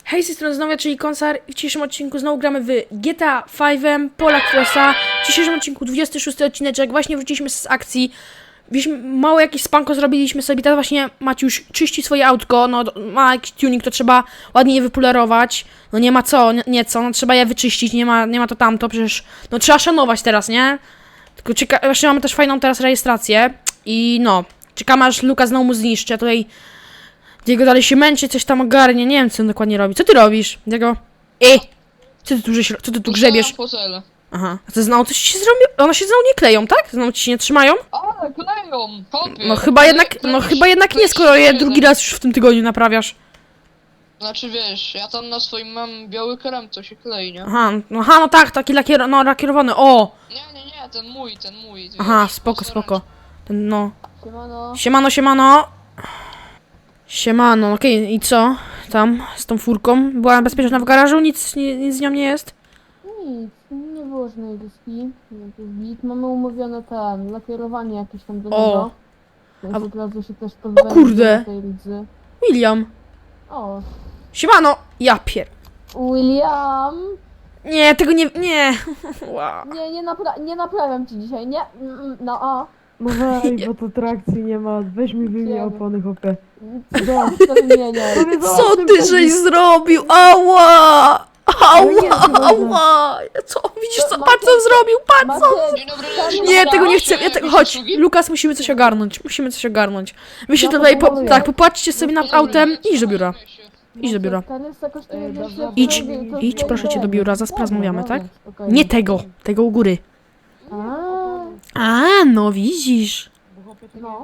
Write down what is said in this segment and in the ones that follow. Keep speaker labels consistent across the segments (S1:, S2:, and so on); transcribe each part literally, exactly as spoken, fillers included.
S1: Hej, z tej strony znowu ja, czyli Konsar. W dzisiejszym odcinku znowu gramy w G T A pięć, Polak w U S A. W dzisiejszym odcinku dwudziesty szósty odcineczek. Właśnie wróciliśmy z akcji. Wzięliśmy mało jakieś spanko zrobiliśmy sobie. Teraz właśnie Maciuś czyści swoje autko. No, ma jakiś tuning, to trzeba ładnie je wypolerować. No nie ma co, nie, nie co, no trzeba je wyczyścić, nie ma, nie ma to tamto, przecież no trzeba szanować teraz, nie? Tylko czeka, właśnie mamy też fajną teraz rejestrację. I no, czekamy aż Luka znowu mu zniszczy. Ja tutaj Diego dalej się męczy, coś tam ogarnie, nie wiem co on dokładnie robi. Co ty robisz, Diego? Ej! Co ty tu, żeś, co ty tu grzebiesz? Aha, a to znowu coś ci się zrobiło? One się znowu nie kleją, tak? Znowu ci się nie trzymają?
S2: Ale kleją! Kopie.
S1: No chyba jednak, no chyba jednak nie, skoro je drugi raz już w tym tygodniu naprawiasz.
S2: Znaczy wiesz, ja tam na swoim mam biały krem, co się klei, nie?
S1: Aha, no, aha, no tak, taki lakier, no, lakierowany, o!
S2: Nie, nie, nie, ten mój, ten mój.
S1: Aha,
S2: wiesz,
S1: spoko,
S2: pastoracz.
S1: spoko. Ten, no.
S3: Siemano.
S1: Siemano, siemano. Siemano, okej, i co? Tam, z tą furką? Była bezpieczna w garażu? Nic, nie, nic z nią nie jest?
S3: Nic, nie było żadnej dyski. Git. Mamy umówione ten, lakierowanie jakieś tam do
S1: O.
S3: niego. Więc
S1: A-
S3: od razu się też pozbędę
S1: kurde.
S3: tej lidzy.
S1: William.
S3: O,
S1: Siemano! Ja pier...
S3: William!
S1: Nie, tego nie... nie. Wow.
S3: Nie, nie, napra nie naprawiam ci dzisiaj, nie? Mm, mm, No a.
S4: No weź, bo to trakcji nie ma. Weź mi wyjmij
S3: Wiem.
S4: opony, chłopie.
S3: Dobra, to wymieniaj.
S1: Co ty żeś zrobił? Ała!
S4: nie,
S1: Ała!
S4: chyba
S1: Ała! Co? Widzisz co?
S3: To
S1: Patrz co on zrobił! Patrz co!
S3: Macie,
S2: Dzień dobry,
S3: Nie,
S1: Nie, tego nie chcę. Ja
S2: Jakieś
S1: tego... Chodź,
S2: usługi?
S1: Lukas, musimy coś ogarnąć. Musimy coś ogarnąć. Wy się
S3: Ja
S1: tutaj... Po...
S3: proponuję.
S1: Tak, popatrzcie sobie nad
S2: Dzień dobry,
S1: autem.
S2: co
S1: Idź do biura. Idź do biura.
S3: Ten jest jakoś
S4: Ej, dobra.
S1: Idź, idź proszę cię do biura, zaraz porozmawiamy, tak? Nie tego, tego u góry.
S3: A,
S1: A, no widzisz.
S3: no.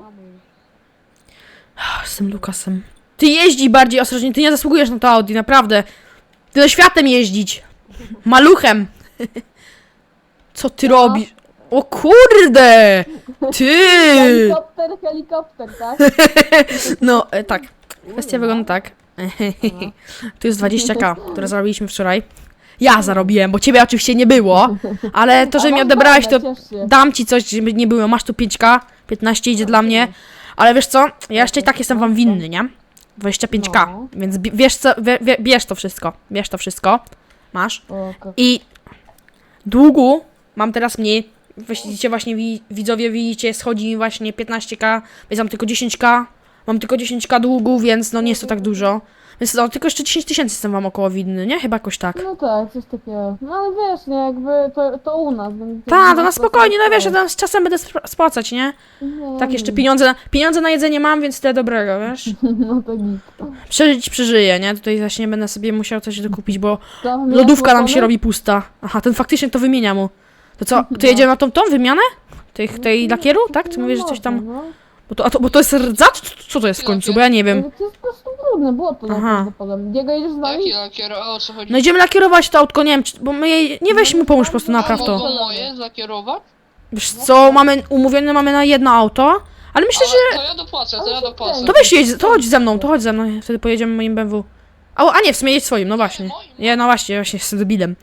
S1: Z tym Lukasem. Ty jeździ bardziej ostrożnie, ty nie zasługujesz na to Audi, naprawdę. Ty do światem jeździć. Maluchem. Co ty
S3: No.
S1: robisz? O kurde! Ty!
S3: Helikopter, helikopter, tak?
S1: No, e, tak. Kwestia wygląda tak. Tu jest dwadzieścia ka, które zarobiliśmy wczoraj. Ja zarobiłem, bo ciebie oczywiście nie było. Ale to, że
S3: A
S1: mi
S3: mam
S1: odebrałeś, to
S3: bana, ciesz się.
S1: dam ci coś, żeby nie było. Masz tu pięć ka, piętnaście idzie dla mnie. Ale wiesz co? Ja jeszcze i tak jestem wam winny, nie? dwadzieścia pięć ka.
S3: No.
S1: Więc bi- wiesz co? Wie, wie, bierz to wszystko. Bierz to wszystko. Masz.
S3: O, ko-
S1: I długu mam teraz mniej. Widzicie właśnie, wi- widzowie, widzicie, schodzi mi właśnie piętnaście ka, więc mam tylko dziesięć ka. Mam tylko dziesięć ka długu, więc no nie jest to tak dużo. Więc no, tylko jeszcze dziesięć tysięcy jestem wam około winny, nie? Chyba jakoś tak.
S3: No tak, coś takiego. No ale wiesz, nie, jakby to, to u nas. Więc
S1: Tak, to na spokojnie, no wiesz, ja tam z czasem będę spra- spłacać, nie?
S3: Nie,
S1: Tak, jeszcze pieniądze na, pieniądze na jedzenie mam, więc tyle dobrego, wiesz?
S3: No to git.
S1: Przeżyć przeżyję, nie? Tutaj właśnie będę sobie musiał coś dokupić, bo
S3: Tam
S1: lodówka nam
S3: miałeś
S1: się robi pusta. Aha, ten faktycznie to wymienia mu. To co, to jedziemy na tą tą wymianę? Tych, tej lakieru, tak? Ty
S3: No
S1: mówisz, że coś tam...
S3: można, no.
S1: Bo to, a to, bo to jest rdza? Co, co to jest w końcu? Bo ja nie wiem.
S3: Ale to jest po prostu trudne, było to
S1: Aha.
S3: najprawdopodobniej. Diego, jedziesz z nami?
S2: Jaki lakier, a o co chodzi?
S1: No idziemy lakierować to autko, nie wiem, czy, bo my jej... Nie weź mu pomóż po prostu, napraw
S2: A
S1: to.
S2: mogą moje zakierować?
S1: Wiesz co, mamy umówione mamy na jedno auto, ale myślę, że...
S2: To ja dopłacę, to ja dopłacę.
S1: To weź jedź, to chodź ze mną, to chodź ze mną, wtedy pojedziemy moim B M W. A, a nie, w sumie jedź swoim, no właśnie. Nie, no właśnie, właśnie jestem debilem.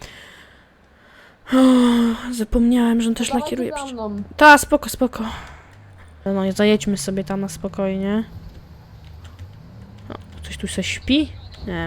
S1: Uff, zapomniałem, że on też
S3: Dawajcie
S1: lakieruje
S3: za
S1: przecież.
S3: mną.
S1: Ta, spoko, spoko. No, zajedźmy sobie tam na spokojnie. O, ktoś tu se śpi? Nie.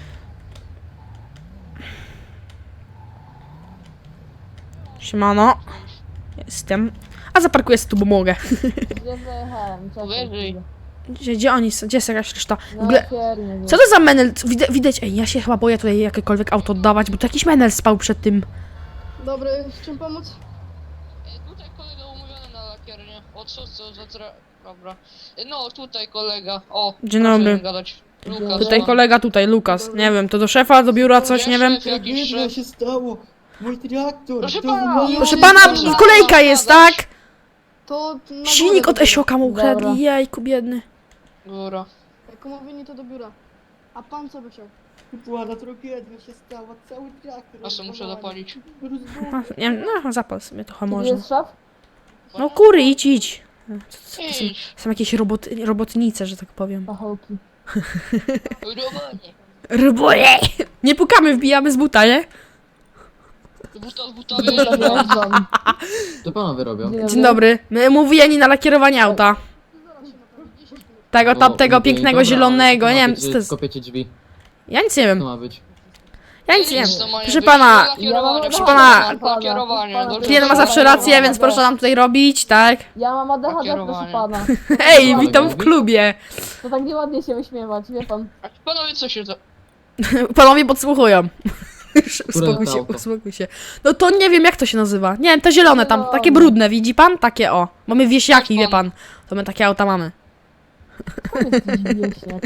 S1: Siemano. Jestem. A zaparkuję sobie tu, bo mogę.
S3: Gdzie zajechałem? Czekaj
S2: Wyżej.
S3: chwilę.
S1: Gdzie, gdzie oni są? Gdzie jest jakaś reszta? W
S3: No,
S1: ogóle...
S3: lakiernie, nie.
S1: Co to za menel? Widać, widać, ej, ja się chyba boję tutaj jakiekolwiek auto oddawać, bo to jakiś menel spał przed tym.
S5: Dobry, w czym pomóc?
S2: E, Tutaj kolega umówiony na lakiernię. O co, co za tra... Dobra. E, No, tutaj kolega. O,
S1: Dzień
S2: proszę
S1: dobry.
S2: nie gadać. Lukas,
S1: Tutaj
S2: no.
S1: kolega, tutaj Lukas. Nie wiem, to do szefa, do biura, coś, nie wiem.
S2: Szef, jakiś
S4: Co
S2: szef.
S4: się stało? Mój traktor!
S2: Proszę
S4: to
S2: pana,
S4: wygląda-
S1: Proszę
S2: nie
S1: pana,
S2: można
S1: kolejka jest, tak?
S5: To na
S1: Silnik
S5: górę
S1: od
S5: do biura.
S1: Esioka mu
S3: Dobra.
S1: ukradli, jajku biedny.
S2: Góra.
S5: Jak umówieni to do biura. A pan co by chciał?
S4: Była tragedia się stała, cały traktor.
S2: A co muszę zapalić?
S4: Rozwalony.
S1: No, nie wiem, no zapal sobie trochę
S3: Gdzie
S1: może.
S3: jest szef?
S1: No kury, idź, idź. Co, co, to są,
S2: Idź.
S1: są jakieś robot, robotnice, że tak powiem.
S3: Pachołki.
S2: Robonie.
S1: Roboje! Nie pukamy, wbijamy z buta, nie?
S2: Buta z buta wyjeżdżam.
S3: Zajeżdżam.
S6: Co panowie robią?
S1: Dzień dobry. My mówieni na lakierowanie auta. Tego tam, tego
S6: No,
S1: pięknego
S6: dobra,
S1: zielonego, nie wiem,
S6: kopiecie-
S1: co to jest.
S6: Kopiecie drzwi.
S1: Ja nic nie
S6: To
S1: wiem.
S6: ma być.
S1: Ja nic nie wiem.
S2: Nic, to ma nie
S1: Proszę
S2: być.
S1: pana,
S2: Lakierowanie,
S1: proszę pana,
S2: lakierowanie,
S3: proszę pana,
S2: dobrze,
S1: klient ma
S2: dobrze.
S1: zawsze rację, więc proszę nam tutaj robić, tak?
S3: Ja mam A D H D, proszę
S2: Kierowanie.
S3: pana.
S1: Ej, witam w klubie.
S3: To tak nieładnie się wyśmiewać, wie pan.
S2: Panowie, co się to...
S1: Panowie podsłuchują. Uspokój się,
S6: auto?
S1: uspokój się. No to nie wiem jak to się nazywa. Nie wiem, te zielone tam, takie brudne, widzi pan? Takie o. Mamy wieśniaki, wie pan. To my takie auta mamy.
S3: Jesteś wieśniak.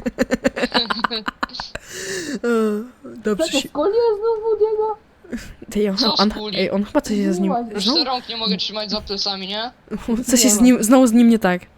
S1: Dobrze
S3: Co to
S1: się...
S3: skoliłeś znowu Diego?
S1: Ej, on,
S2: Co
S1: on,
S2: skuli?
S1: ej, on chyba coś jest z nim...
S3: Już
S2: Już
S1: Znowu,
S2: te rąk nie mogę trzymać za plecami, nie?
S1: coś jest z nim, znowu z nim nie tak.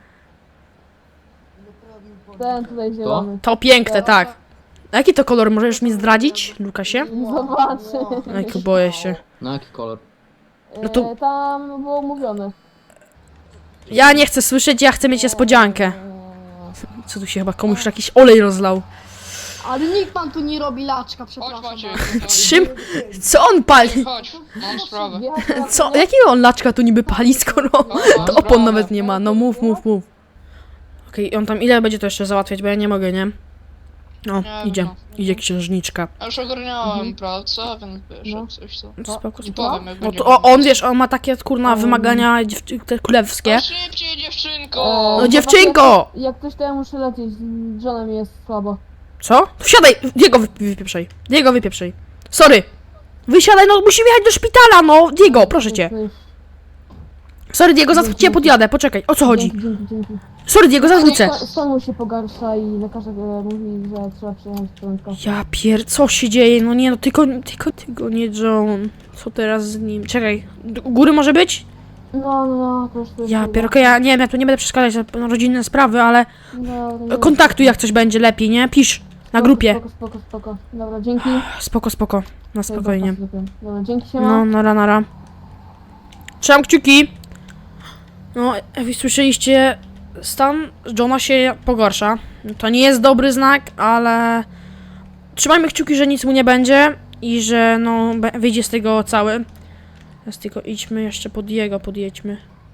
S3: Ten tutaj zielony.
S1: To piękne, tak. A jaki to kolor? Możesz mi zdradzić, Lukasie?
S3: Zobaczy.
S1: Ej, boję się.
S6: Na jaki kolor?
S1: No to-
S3: E, tam było mówione.
S1: Ja nie chcę słyszeć, ja chcę mieć niespodziankę. Co tu się chyba komuś jakiś olej rozlał?
S5: Ale nikt pan tu nie robi laczka,
S2: Chodź
S5: przepraszam.
S2: Maciek.
S1: Czym? Co on pali?
S2: Chodź, mam sprawę.
S3: Wjechać na
S1: Co?
S3: lotnię?
S1: Jakiego on laczka tu niby pali, skoro
S2: Mam
S1: to opon
S2: sprawę.
S1: nawet nie ma? No mów, mów, mów. Okej, on tam ile będzie to jeszcze załatwiać, bo ja nie mogę, nie? O,
S2: Nie
S1: idzie,
S2: wiem, no.
S1: idzie księżniczka.
S2: Ja już ogarniałem pracę, więc wiesz,
S3: No.
S2: jak coś to...
S1: No, spoko,
S2: I
S1: spoko.
S2: powiem, jak
S1: No
S2: będzie
S1: to o, on, wiesz, on ma takie, kurna,
S3: Um.
S1: wymagania dziew- te królewskie.
S2: No szybciej, dziewczynko!
S3: O,
S1: No dziewczynko!
S3: Jak ktoś to ja muszę lecieć, z Johnem jest słabo.
S1: Co? Wsiadaj! Diego, wy- wypieprzaj. Diego, wypieprzaj. Sorry. Wysiadaj, no musimy jechać do szpitala, no! Diego, proszę cię. Sorry, Diego, zaraz cię podjadę, poczekaj. O co chodzi?
S3: Dzięki, dzięki, dzięki.
S1: Sorry, Diego, zaraz wrócę.
S3: Stan- Stan mu się pogarsza i lekarze e, mówi, że trzeba przyjechać prędko.
S1: Ja pier... co się dzieje? No nie, no tylko, tylko, tylko nie John. Co teraz z nim? Czekaj, d- u góry może być?
S3: No, no, no, to już to jest
S1: Ja
S3: chyba.
S1: pier... okej, ja nie wiem, ja tu nie będę przeszkadzać na rodzinne sprawy, ale
S3: No, no,
S1: kontaktuj jak coś będzie lepiej, nie? Pisz na grupie.
S3: Spoko, spoko, spoko. Dobra, dzięki.
S1: Spoko, spoko. Na
S3: To jest
S1: spokojnie.
S3: zapas lepiej. Dobra, dzięki się
S1: No, nara, nara. Trzymam kciuki. No, jak wy słyszeliście, stan Johna się pogarsza. To nie jest dobry znak, ale trzymajmy kciuki, że nic mu nie będzie i że no be- wyjdzie z tego cały. Teraz tylko idźmy jeszcze pod jego, podjedźmy.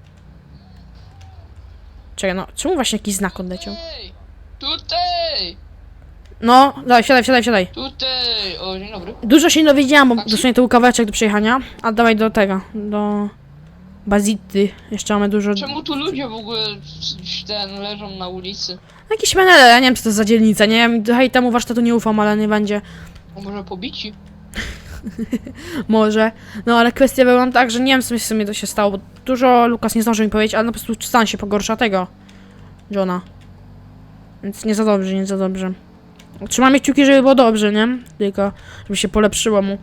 S1: Czekaj, no, czemu właśnie jakiś znak odleciał?
S2: Ej, tutaj!
S1: No, dawaj, wsiadaj, wsiadaj, wsiadaj.
S2: Tutaj! O, dzień dobry.
S1: Dużo się nie dowiedziałam, bo
S2: Taksi?
S1: dosłownie to był kawałeczek do przejechania. A dawaj do tego, do Bazity. Jeszcze mamy dużo...
S2: Czemu tu ludzie w ogóle w- ten leżą na ulicy?
S1: Jakiś menele, ja nie wiem co to jest za dzielnica, nie wiem, hej, temu warsztatu nie ufam, ale nie będzie.
S2: A może pobici?
S1: Może. No ale kwestia wygląda tak, że nie wiem co w sumie to się stało, bo dużo Lukas nie zdążył mi powiedzieć, ale no po prostu stan się pogorsza tego Johna. Więc nie za dobrze, nie za dobrze. Trzymamy kciuki, żeby było dobrze, nie? Tylko, żeby się polepszyło mu.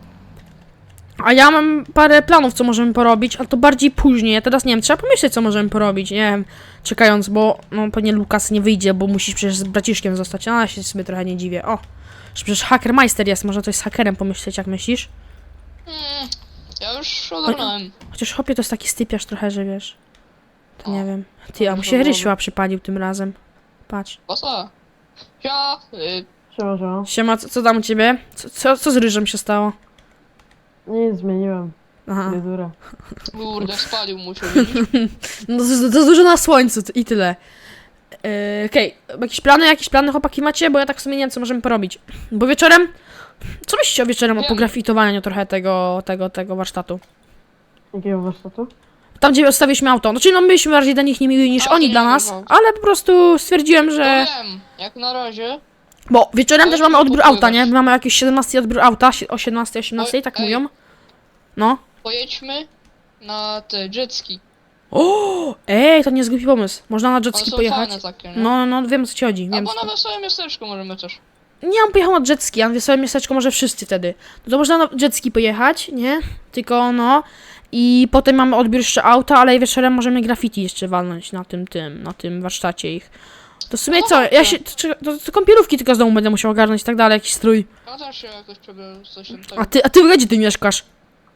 S1: A ja mam parę planów, co możemy porobić, ale to bardziej później. Ja teraz nie wiem, trzeba pomyśleć, co możemy porobić, nie wiem, czekając, bo no pewnie Lukas nie wyjdzie, bo musisz przecież z braciszkiem zostać. A ja się sobie trochę nie dziwię. O, że przecież Hackermeister jest, można coś z hakerem pomyśleć, jak myślisz?
S2: Hmm, ja już ogarnąłem.
S1: Chociaż chłopie to jest taki stypiarz trochę, że wiesz. To nie wiem. Ty, a mu
S2: Może
S1: się
S2: byłoby.
S1: Rysiła przypalił tym razem. Patrz.
S2: Posa. Ja, y,
S4: Siema, siema.
S1: Siema, co, co tam u ciebie? Co, co, co z ryżem się stało?
S4: Nic, zmieniłem.
S1: Aha.
S4: Fryzurę.
S2: kurde, spalił mu się, widzisz?
S1: No to, to, to dużo na słońcu t- i tyle. Yy, Okej, jakieś plany, jakieś plany chłopaki macie? Bo ja tak w sumie nie wiem, co możemy porobić. Bo wieczorem... Co myślicie o wieczorem, o
S2: Wiem.
S1: pografitowaniu trochę tego, tego, tego warsztatu?
S4: Jakiego warsztatu?
S1: Tam, gdzie odstawiliśmy auto. No czyli no my byliśmy bardziej dla nich niemili niż
S2: A,
S1: oni
S2: nie
S1: dla
S2: wiem,
S1: nas,
S2: no.
S1: ale po prostu stwierdziłem,
S2: To
S1: że...
S2: wiem, jak na razie.
S1: Bo wieczorem
S2: Ale
S1: też
S2: czemu
S1: mamy odbiór
S2: popływać?
S1: auta, nie? My mamy jakiś siedemnasty odbiór auta, si- o siedemnastej, osiemnastej, tak
S2: Oj, ej.
S1: mówią. No.
S2: Pojedźmy na te jetski.
S1: O, ej, to nie jest głupi pomysł. Można na
S2: One
S1: jetski
S2: są
S1: pojechać.
S2: fajne takie, nie?
S1: No, no, wiem o co ci chodzi. Wiem,
S2: Albo
S1: co...
S2: na wesołe miasteczko możemy też.
S1: Nie, on pojechał na jetski, a na wesołe miasteczko może wszyscy wtedy. No to można na jetski pojechać, nie? Tylko no. I potem mamy odbiór jeszcze auta, ale wieczorem możemy graffiti jeszcze walnąć na tym, tym, na tym warsztacie ich. To w sumie
S2: No
S1: co, ja
S2: dobrze.
S1: się, to, to, to kąpielówki tylko z domu będę musiał ogarnąć i tak dalej, jakiś strój.
S2: Ja też się jakoś przebiorę coś tam
S1: A
S2: tego.
S1: ty, a ty gdzie ty mieszkasz?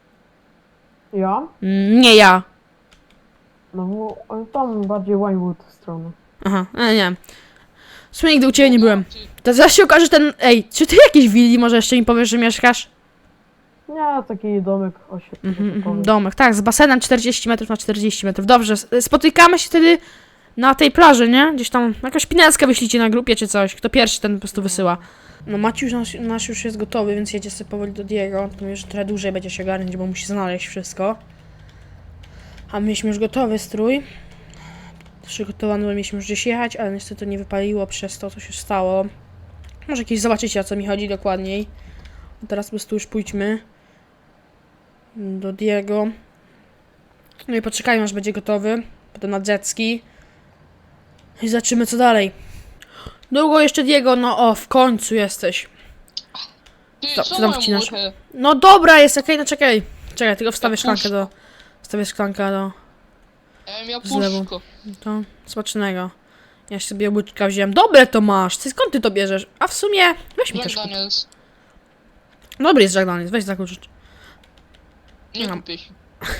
S4: Ja?
S1: Mm, nie ja.
S4: No bo ale tam bardziej Winewood strony.
S1: Aha, e, nie. W sumie nigdy u ciebie nie byłem.
S2: Ty,
S1: To zaraz się okaże ten... Ej, czy ty jakiejś willi może jeszcze mi powiesz, że mieszkasz?
S4: Nie, taki domek
S1: Mhm, mhm,
S4: osiemnastowy.
S1: domek, tak, z basenem czterdzieści metrów na czterdzieści metrów. Dobrze, s- spotykamy się wtedy Na tej plaży, nie? Gdzieś tam jakąś pineckę wyślijcie na grupie czy coś. Kto pierwszy, ten po prostu wysyła. No Maciuś nasz, nasz już jest gotowy, więc jedzie sobie powoli do Diego. To już trochę dłużej będzie się ogarniać, bo musi znaleźć wszystko. A mieliśmy już gotowy strój. Przygotowany, bo mieliśmy już gdzieś jechać, ale niestety nie wypaliło przez to, co się stało. Może kiedyś zobaczycie, o co mi chodzi dokładniej. A teraz po prostu już pójdźmy do Diego. No i poczekajmy, aż będzie gotowy. Potem na jetski. I zobaczymy, co dalej. Długo jeszcze Diego, no o, w końcu jesteś.
S2: Ty,
S1: Co-
S2: co,
S1: co tam
S2: moją
S1: wcinasz?
S2: muchę?
S1: No dobra, jest okej, no czekaj. Czekaj, tylko wstawię
S2: Ja
S1: szklankę
S2: puszczę.
S1: do... Wstawię szklankę do...
S2: Ja miał
S1: Z lewu.
S2: puszko.
S1: To smacznego. Ja sobie łyczka wziąłem. Dobre to masz! Ty skąd ty to bierzesz? A w sumie... Weź mi
S2: Jack
S1: też kup.
S2: Daniels.
S1: Dobry jest Jack Daniels, weź zakurzyć.
S2: Nie
S1: Mam.
S2: kupię się.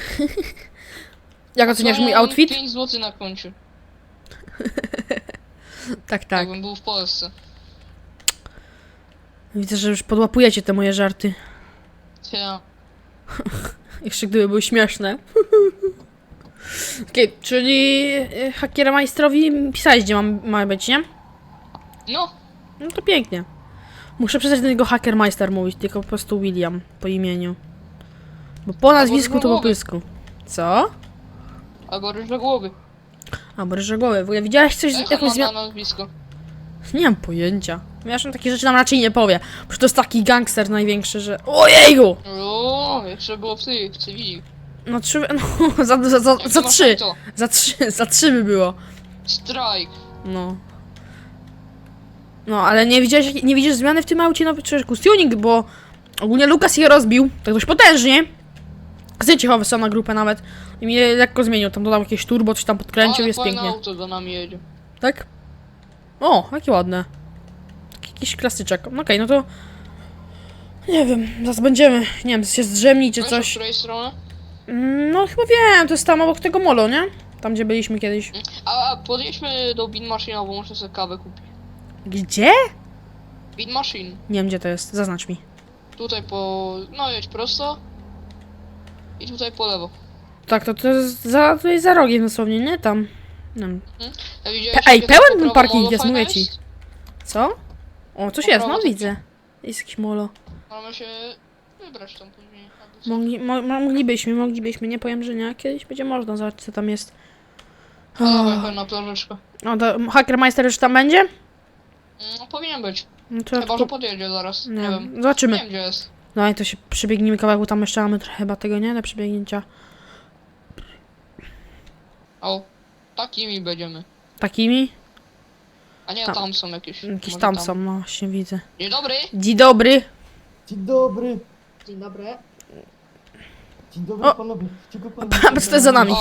S1: Jak oceniasz mój
S2: Mam
S1: outfit?
S2: pięć złotych na koncie.
S1: Tak, tak.
S2: Jakbym był w Polsce.
S1: Widzę, że już podłapujecie te moje żarty.
S2: Ja.
S1: Jeszcze gdyby były śmieszne. Okej, czyli y, hakiermajstrowi pisałeś, gdzie mam, ma być, nie?
S2: No,
S1: No to pięknie. Muszę przestać do niego Hackermeister mówić, tylko po prostu William po imieniu. Bo po nazwisku to po
S2: głowy.
S1: pysku. Co?
S2: albo ryż do głowy.
S1: A, bo ryżogoły. W ogóle widziałeś coś,
S2: Jak
S1: jakąś
S2: on ma
S1: zmianę?
S2: na nazwisko?
S1: Nie mam pojęcia. Ja on takie rzeczy nam raczej nie powie. Przecież to jest taki gangster największy, że... Ojejgu!
S2: O, jeszcze było w tej, w cywili.
S1: No trzy... No, za, za, za,
S2: Jak
S1: za
S2: masz
S1: trzy.
S2: to?
S1: Za trzy, za trzy by było.
S2: Strike.
S1: No. No, ale nie widziałeś, nie widzisz zmiany w tym aucie? No przecież tuning, bo ogólnie Lukas je rozbił, tak dość potężnie. Zdjęcie chyba wysłał na grupę nawet. I mi je lekko zmienił, tam dodał jakieś turbo, coś tam podkręcił,
S2: Ale
S1: jest
S2: fajne
S1: pięknie.
S2: auto za nami jedzie.
S1: Tak? O, jakie ładne. Taki jakiś klasyczek. No okej, no to... Nie wiem, zaraz będziemy, nie wiem, się zdrzemni czy
S2: Wiesz, od
S1: coś.
S2: której strony?
S1: Mm, No chyba wiem, to jest tam obok tego molo, nie? Tam gdzie byliśmy kiedyś.
S2: A, a podjedźmy do Bean Machine, bo muszę sobie kawę kupić.
S1: Gdzie?
S2: Bean Machine.
S1: Nie wiem gdzie to jest, zaznacz mi.
S2: Tutaj po... no jedź prosto. I tutaj po lewo.
S1: Tak, to, to jest za, to jest za rogiem dosłownie, nie? Tam. Nie wiem.
S2: A widziałeś,
S1: Pe- ej,
S2: jakie
S1: pełen
S2: tam
S1: ten
S2: po prawo
S1: parking
S2: molo
S1: jest,
S2: fajne
S1: mówię ci.
S2: jest?
S1: Co? O, coś
S2: Po
S1: jest,
S2: prawo
S1: no
S2: to-
S1: widzę. Jest jakiś molo.
S2: Mamy się wybrać tam później. albo co.
S1: Mogli, mo, moglibyśmy, moglibyśmy, nie powiem, że nie. Kiedyś będzie można, zobaczyć co tam jest.
S2: A, dawaj,
S1: O,
S2: chodź na plażyczkę.
S1: o to Hackermeister już tam będzie?
S2: No, powinien być.
S1: No to
S2: Chyba, że podjedzie zaraz. Nie,
S1: nie
S2: wiem.
S1: wiem, zobaczymy.
S2: Nie wiem, gdzie jest.
S1: No i to się przebiegnijmy kawałek, bo tam jeszcze mamy trochę chyba tego, nie? Do przebiegnięcia.
S2: O, takimi będziemy.
S1: Takimi?
S2: A nie,
S1: Tam.
S2: tam są jakieś.
S1: Jakieś
S2: Może
S1: tam są, no właśnie widzę.
S2: Dzień dobry.
S1: Dzień dobry.
S4: Dzień dobry.
S5: Dzień dobry.
S4: Dzień dobry
S1: O!
S4: panowie. Czego pan...
S1: Pa- co to jest za nami?
S2: O.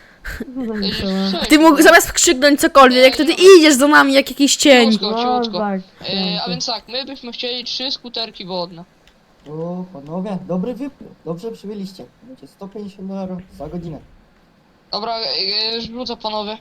S1: A ty mógł zamiast krzyknąć cokolwiek, to ty idziesz za nami jak jakiś cień.
S2: Ciutko, ciutko.
S4: tak.
S2: E, a więc tak, my byśmy chcieli trzy skuterki wodne.
S4: O, panowie, dobry wybór. Dobrze przybyliście. Będzie sto pięćdziesiąt dolarów za godzinę.
S2: Dobra, e, rzucę panowie.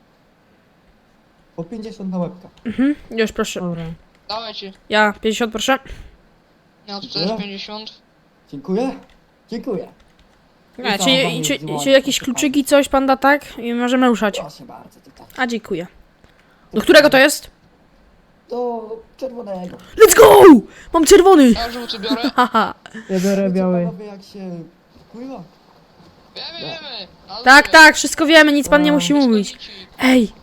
S4: Po pięćdziesiąt na łebka.
S1: Mhm, już proszę.
S2: Dawajcie.
S1: Ja, pięćdziesiąt proszę.
S2: Ja tu też pięćdziesiąt.
S4: Dziękuję. Dziękuję.
S1: Nie,
S4: co,
S1: czy,
S4: mamy
S1: czy,
S4: dzwonić,
S1: czy jakieś
S4: proszę
S1: kluczyki, coś pan da, tak? I możemy ruszać.
S4: Proszę bardzo, tutaj.
S1: A, dziękuję. Do którego to jest?
S4: Do czerwonego.
S1: Let's go! Mam czerwony!
S2: Ja żółty biorę.
S1: Haha.
S4: Ja biorę biały. Panowie, jak się pływa?
S2: Wiemy, wiemy. Na
S1: Tak,
S2: dole.
S1: tak, wszystko wiemy, nic pan nie
S4: A,
S1: musi mówić.
S2: Wschodzi ci.
S1: Ej!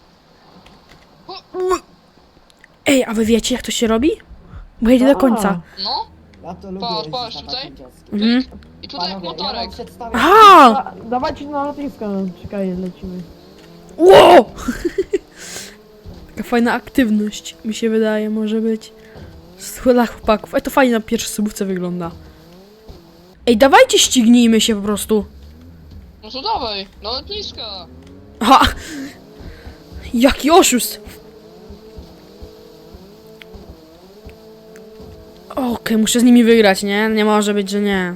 S1: Ej, a wy wiecie jak to się robi? Bo jedzie do końca.
S2: No,
S4: Ja to lubię
S2: Patrz,
S4: jeździć
S2: patrz,
S4: na
S2: tutaj.
S4: takim dziecku.
S1: Mhm.
S2: i tutaj jak
S4: Panowie, ja
S2: motorek.
S4: wam przedstawię...
S1: Aha!
S7: Dawajcie na lotnisko, no, czekaj, lecimy.
S1: Ło! Taka fajna aktywność, mi się wydaje, może być. Dla chłopaków. Ej, to fajnie na pierwszej subówce wygląda. Ej, dawajcie ścignijmy się po prostu.
S2: No to dawaj, do lotniska.
S1: Aha! Jaki oszust! Okej, muszę z nimi wygrać, nie? Nie może być, że nie.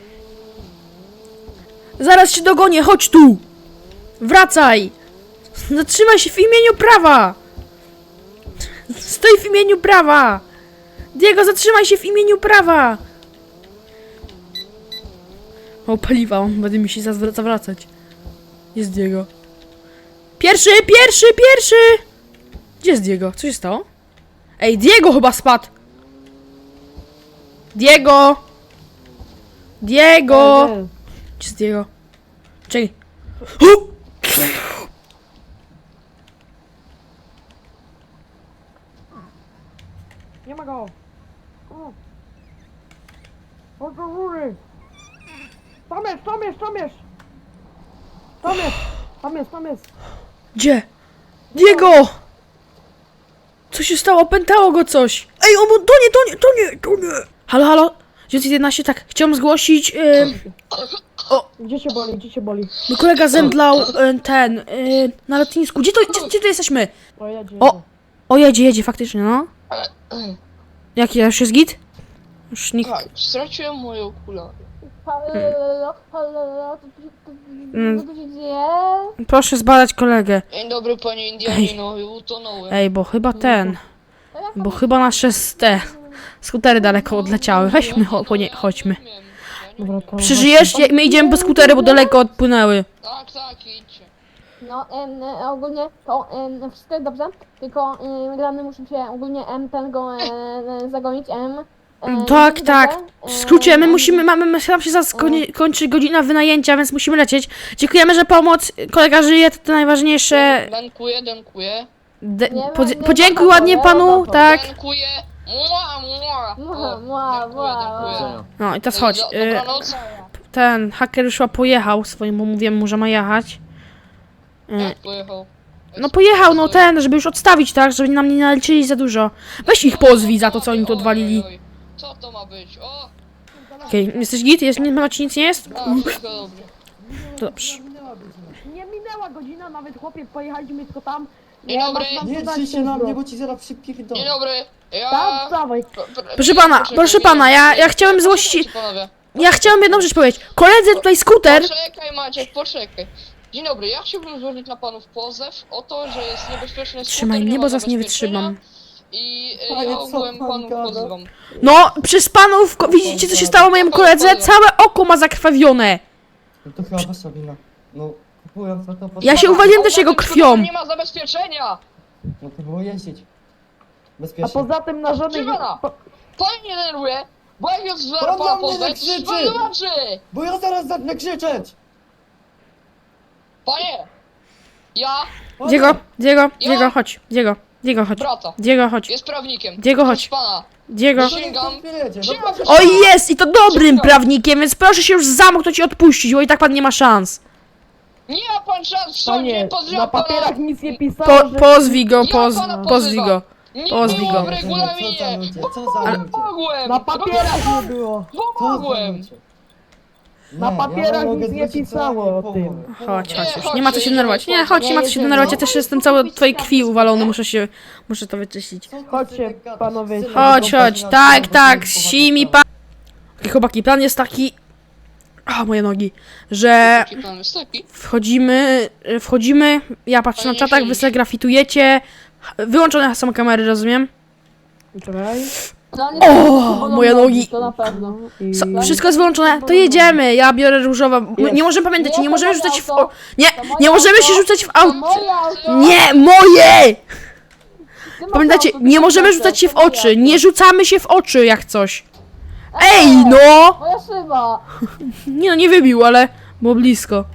S1: Zaraz się dogonię, chodź tu! Wracaj! Zatrzymaj się w imieniu prawa! Stoi w imieniu prawa! Diego, zatrzymaj się w imieniu prawa! O, paliwa, on będzie mi się zawra- zawracać. Jest Diego. Pierwszy, pierwszy, pierwszy! Gdzie jest Diego? Co się stało? Ej, Diego chyba spadł! Diego! Diego!
S7: Nie,
S1: Gdzie jest Diego? Czekaj. Hu!
S7: nie ma go. O. Chodź do góry. Tam jest, tam jest, tam jest. Tam jest, tam jest, tam jest.
S1: Gdzie? Diego! Co się stało? Pętało go coś! Ej, on, to nie, to nie, to nie, to nie! Halo, halo? dziewięćset jedenaście, tak, chciałem zgłosić, yy,
S7: Gdzie się boli, gdzie się boli?
S1: mój kolega zemdlał, yy, ten, yy, na lotnisku. Gdzie to, gdzie, gdzie to jesteśmy?
S7: O, jedzie.
S1: O! O, jedzie, jedzie, faktycznie, no. Jaki, już jest git? Już nikt...
S2: Tak, straciłem moje okulary.
S3: Halo, halo, co tu-
S1: Mm.
S3: co tu się dzieje?
S1: Proszę zbadać kolegę.
S2: Dzień dobry, panie Indianino, utonąłem.
S1: Ej, bo chyba ten, bo chyba nasze s- te skutery daleko odleciały. Weźmy, cho, po nie, chodźmy.
S2: Rozumiem. Ja nie
S7: Dobra,
S2: umiem.
S7: to...
S1: Przeżyjesz? Jak my idziemy po skutery, bo daleko odpłynęły.
S2: Tak, tak, idźcie.
S3: No, em, e, ogólnie to em, wszystko jest dobrze, tylko em, grany musi się ogólnie em, ten go e, e, zagonić, em. em,
S1: Tak,
S3: dobrze,
S1: tak. W skrócie, my
S3: em,
S1: musimy, mamy, my- nam się zaraz koni- kończy godzina wynajęcia, więc musimy lecieć. Dziękujemy za pomoc. Kolega żyje, to, to najważniejsze.
S2: Dziękuję, dziękuję.
S1: De-
S3: Nie ma-
S1: podzi-
S3: nie ma
S1: podziękuj
S3: za to,
S1: ładnie
S3: nie
S1: panu,
S3: ma za to.
S1: tak.
S2: Dziękuję. Mua, mua.
S3: Mua,
S2: O,
S3: mua,
S2: dziękuję,
S3: mua,
S2: dziękuję.
S6: Widzenia.
S1: No i teraz chodź.
S2: Do-
S1: Y,
S2: Dobranoc.
S1: ten haker już chyba pojechał swoim, bo mówiłem mu, że ma jechać. Y,
S2: Jak pojechał?
S1: no pojechał, no ten, żeby już odstawić, tak, żeby nam nie naliczyli za dużo. Weź ich pozwij za to, co oni tu
S2: Oj,
S1: odwalili.
S2: oj, oj. Co to ma być? O!
S1: Okej, jesteś git? Jest, nie ma ci nic nie jest?
S2: A, wszystko dobrze.
S1: To dobrze.
S7: Nie minęła godzina, nawet chłopie, pojechaliśmy tylko tam.
S2: Dzień dobry.
S7: masz nam
S4: Nie
S7: dodać
S4: drzyj się na
S7: wszystko.
S4: mnie, bo ci zaraz przypierdolę.
S2: Dzień dobry. Ja...
S7: Tak, dawaj.
S2: P- p-
S1: Proszę pana,
S2: poczekaj,
S1: proszę
S2: nie,
S1: pana, ja-
S2: nie,
S1: ja chciałem zgłosić-
S2: poczekajcie, panowie.
S1: Ja chciałem jedną rzecz powiedzieć. Koledzy tutaj skuter.
S2: Poczekaj Maciek, poczekaj. Dzień dobry, ja chciałbym złożyć na panów pozew o to, że jest niebezpieczny skuter,
S1: Trzymaj
S2: nie
S1: mnie,
S2: ma
S1: bo zaraz nie
S2: zabezpieczenia
S1: wytrzymam.
S2: I e,
S4: Panie,
S2: ja
S4: co
S2: ogółem
S4: pan
S2: panów
S4: gada?
S2: pozywam.
S1: No, przez panów, ko- widzicie co się stało mojemu koledze? Całe oko ma zakrwawione.
S4: No to chyba wasza wina. No, kupując na to po
S1: Ja się uwaliłem też jego krwią.
S2: Nie ma zabezpieczenia!
S4: No to było jeździć.
S7: A
S4: Bezpiecznie.
S7: poza tym na żadnych...
S2: Szymona!
S7: po-
S2: Pan nie denerwuje, bo jak jest
S4: Pan
S2: zwerpa
S4: na mnie
S2: pozwę,
S4: nie
S2: to
S4: krzyczy!
S2: pan zobaczy!
S4: Bo ja zaraz zacznę krzyczeć!
S2: Panie! Ja,
S4: Panie,
S1: Diego, Diego, Diego, chodź. Diego, Diego, chodź.
S2: brata,
S1: Diego, chodź.
S2: jest prawnikiem.
S1: Diego, chodź.
S2: Proszę pana.
S1: Diego.
S4: to niech
S2: Sięgam.
S4: pan wyjedzie, no
S2: Sięgam.
S4: proszę.
S1: O jest! I to dobrym prawnikiem, więc proszę się już zamknąć i odpuścić, bo i tak pan nie ma szans.
S2: Nie ma pan szans w sądzie,
S7: Panie,
S2: pozywam
S7: na
S2: pana!
S7: papierach nic nie pisało,
S1: Po,
S7: że...
S1: pozwij go,
S2: Ja
S1: poz,
S2: pana
S1: pozwij
S2: pozywam.
S1: go.
S2: Nie
S1: Pozwij
S2: było
S1: go.
S2: w regulaminie!
S4: Co za ludzie, co za ludzie?
S2: Pomogłem!
S7: Na papierach nie było.
S4: Co za
S2: Pomogłem!
S4: ludzie?
S7: Na
S4: Nie,
S7: papierach
S4: ja mogę
S7: nic nie
S4: zwrócić
S7: pisało
S4: całe
S7: o
S4: połowę.
S7: tym.
S1: Chodź,
S2: Nie,
S1: chodź już.
S2: chodź,
S1: Nie ma co się
S2: jedziemy,
S1: denerwować. Nie,
S2: chodź.
S1: chodź, nie ma co się
S7: jedziemy.
S1: denerwować. Ja też jestem cały w twojej krwi uwalony, muszę się, muszę to wyczyścić.
S4: Co ty
S7: Chodźcie,
S4: sobie gadasz?
S7: panowie.
S4: Synek,
S1: Chodź,
S4: to
S1: chodź,
S4: pan
S1: tak,
S4: na-
S1: tak,
S4: to
S1: si mi
S4: pan-
S1: pan. Okej, chłopaki, plan jest taki. A, moje nogi. Że
S2: Taki plan jest taki.
S1: wchodzimy, y, wchodzimy, ja patrzę na
S2: Fajnie
S1: czatach,
S2: się
S1: wy sobie grafitujecie. Wyłączone są kamery, rozumiem?
S7: Czekaj.
S3: No, nie
S1: O,
S3: to
S1: moje nogi.
S3: To na pewno.
S7: I...
S1: So, wszystko jest wyłączone, to jedziemy. Ja biorę różowa. My, nie możemy pamiętać, nie możemy rzucać w. O, nie, nie możemy się rzucać w
S3: To
S1: auto.
S3: moje auto!
S1: Nie, moje!
S3: Ty masz
S1: Pamiętajcie,
S3: auto, ty
S1: nie
S3: masz
S1: możemy
S3: auto,
S1: rzucać się w
S3: to moje
S1: oczy.
S3: auto.
S1: Nie rzucamy się w oczy jak coś. Ej, no!
S3: Moja szyba!
S1: Nie no, nie wybił, ale było blisko.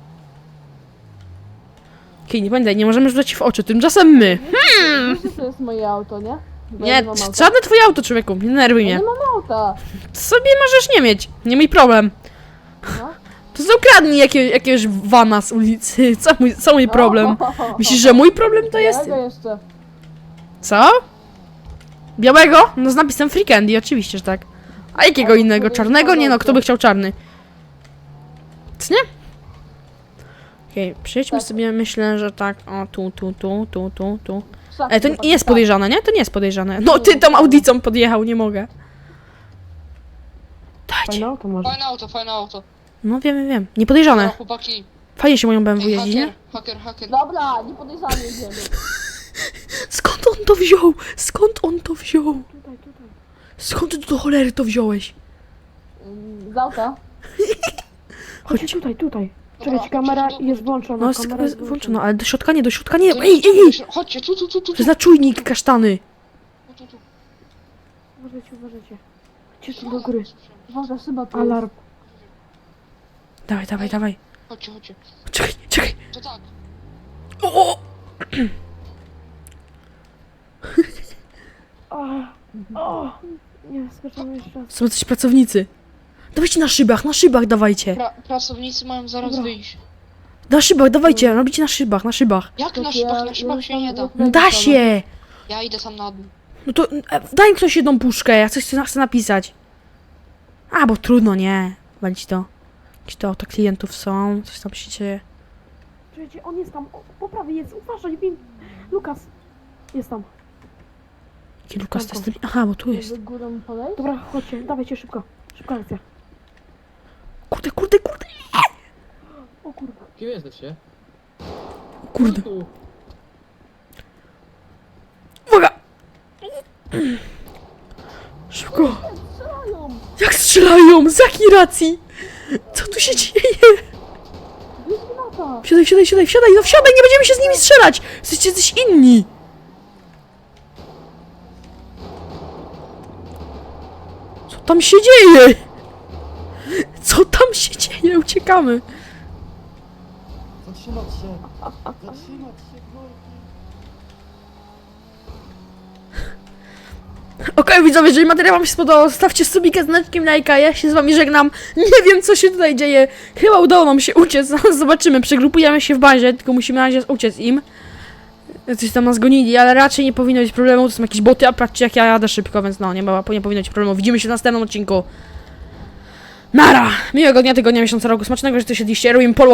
S1: Okej, nie pamiętaj, nie możemy rzucać się w oczy, tymczasem my.
S3: Wiesz, że to jest moje auto, nie? Bo ja
S1: Nie,
S3: mam
S1: c-
S3: auta.
S1: żadne twoje auto, człowieku, nie denerwuj
S3: Ja
S1: mnie.
S3: nie mam auta.
S1: Sobie możesz nie mieć, nie mój problem.
S3: No.
S1: To są kradnij jakie, jakiegoś wana z ulicy, co mój, co mój problem? Myślisz, że mój problem to jest?
S3: Jakiego jeszcze?
S1: Co? Białego? No z napisem Free Candy, oczywiście, że tak. A jakiego innego? Czarnego? Nie no, kto by chciał czarny? Co nie? Okej, przejdźmy
S3: Tak.
S1: sobie, myślę, że tak, o tu, tu, tu, tu, tu, tu.
S3: Szafy
S1: Ej, to
S3: chłopaki,
S1: nie jest
S3: tak.
S1: podejrzane, nie? To nie jest podejrzane. No, ty tą audicą podjechał, nie mogę. Dajcie.
S7: Fajne auto masz.
S2: Fajne auto, fajne auto.
S1: No wiem, wiem, wiem.
S2: No,
S1: Niepodejrzane.
S2: chłopaki.
S1: Fajnie się moją B M W
S2: Ej,
S1: jeździ,
S2: haker,
S1: nie?
S2: haker, haker.
S3: Dobra, nie podejrzany jedziemy.
S1: Skąd on to wziął? Skąd on to wziął? Skąd ty do cholery to wziąłeś?
S3: Mm, Z auta.
S7: Chodź tutaj, tutaj. Czekajcie, kamera jest włączona.
S1: No,
S7: kamera jest
S1: jest włączona, ale do środka nie, do środka nie.
S2: To
S1: Ej,
S2: nie-
S1: ej, ej!
S2: Chodźcie, tu, tu, tu, tu,
S1: To
S2: tu,
S1: jest na czujnik kasztany.
S2: tu, tu.
S7: Uważajcie, uważajcie. Chodźcie tu do góry.
S5: Uważaj, chyba tu
S7: Alarm.
S1: Dawaj, dawaj, dawaj.
S2: Chodźcie, chodźcie.
S1: Czekaj, czekaj.
S2: To tak.
S1: O, o!
S7: O, o. Nie, skoczymy jeszcze raz.
S1: Są coś pracownicy. Dawajcie na szybach, na szybach dawajcie.
S2: Pra pracownicy mają zaraz
S7: Dobra.
S2: wyjść.
S1: Na szybach, dawajcie, robicie na szybach, na szybach.
S2: Jak na
S3: Ja-
S2: szybach? Na
S3: ja
S2: szybach się nie da.
S3: tam-
S1: Da się!
S2: Ja idę sam na dół.
S1: No to e, daj mi ktoś jedną puszkę, ja coś chcę, chcę napisać. A, bo trudno, nie. Walić to. Jakieś to auto klientów są, coś tam się dzieje.
S7: Czekajcie, on jest tam. O, po prawej jest, uważaj, Win. Lukas. Jest tam.
S1: Jaki Lukas to jest ten... Aha, bo tu jest.
S3: Żeby górą podejść?
S7: Dobra, chodźcie, dawajcie szybko. Szybka akcja.
S1: Kurde, kurde, kurde,
S7: O kurde.
S6: Kim jesteście?
S1: kurde.
S6: Tu.
S1: Uwaga! Szybko. Jak strzelają? Z jakiej racji? Co tu się dzieje? Wsiadaj, wsiadaj, wsiadaj, wsiadaj, no wsiadaj, nie będziemy się z nimi strzelać! Jesteście jacyś inni! Co tam się dzieje? Co tam się dzieje? Uciekamy!
S4: Zatrzymać się! Zatrzymać się, gnojki!
S1: Okej, widzowie, jeżeli materiał wam się spodobał, stawcie subika z znaczkiem lajka, ja się z wami żegnam. Nie wiem, co się tutaj dzieje. Chyba udało nam się uciec, zobaczymy, przegrupujemy się w bazie, tylko musimy na razie uciec im. Coś tam nas gonili, ale raczej nie powinno być problemu, to są jakieś boty, a patrzcie jak ja jadę szybko, więc no, nie, ma, nie powinno być problemu. Widzimy się w następnym odcinku. Nara! Miłego dnia, tygodnia, miesiąca, roku, smacznego, że tu siedliście, robimy polu